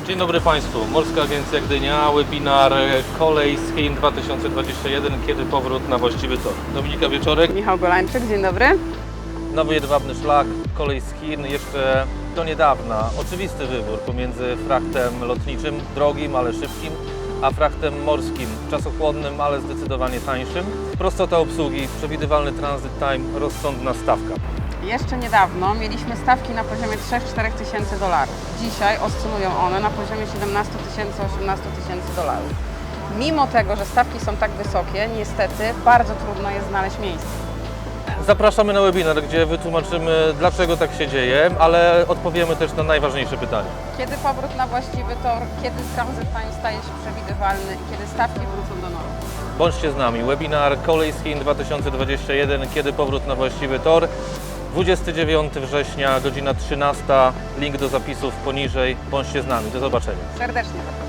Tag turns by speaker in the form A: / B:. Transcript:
A: Dzień dobry Państwu. Morska Agencja Gdynia, webinar Kolej z Chin 2021. Kiedy powrót na właściwy tor? Dominika Wieczorek.
B: Michał Golańczyk, dzień dobry.
A: Nowy jedwabny szlak, kolej z Chin. Jeszcze do niedawna oczywisty wybór pomiędzy frachtem lotniczym, drogim, ale szybkim, a frachtem morskim, czasochłonnym, ale zdecydowanie tańszym. Prostota obsługi, przewidywalny transit time, rozsądna stawka.
B: Jeszcze niedawno mieliśmy stawki na poziomie 3-4 tysięcy dolarów. Dzisiaj oscylują one na poziomie 17 tysięcy, 18 tysięcy dolarów. Mimo tego, że stawki są tak wysokie, niestety bardzo trudno jest znaleźć miejsce.
A: Zapraszamy na webinar, gdzie wytłumaczymy, dlaczego tak się dzieje, ale odpowiemy też na najważniejsze pytania.
B: Kiedy powrót na właściwy tor, kiedy transit time staje się przewidywalny i kiedy stawki wrócą do normy.
A: Bądźcie z nami. Webinar Kolej z Chin 2021. Kiedy powrót na właściwy tor? 29 września, godzina 13. Link do zapisów poniżej. Bądźcie z nami. Do zobaczenia.
B: Serdecznie zapraszam.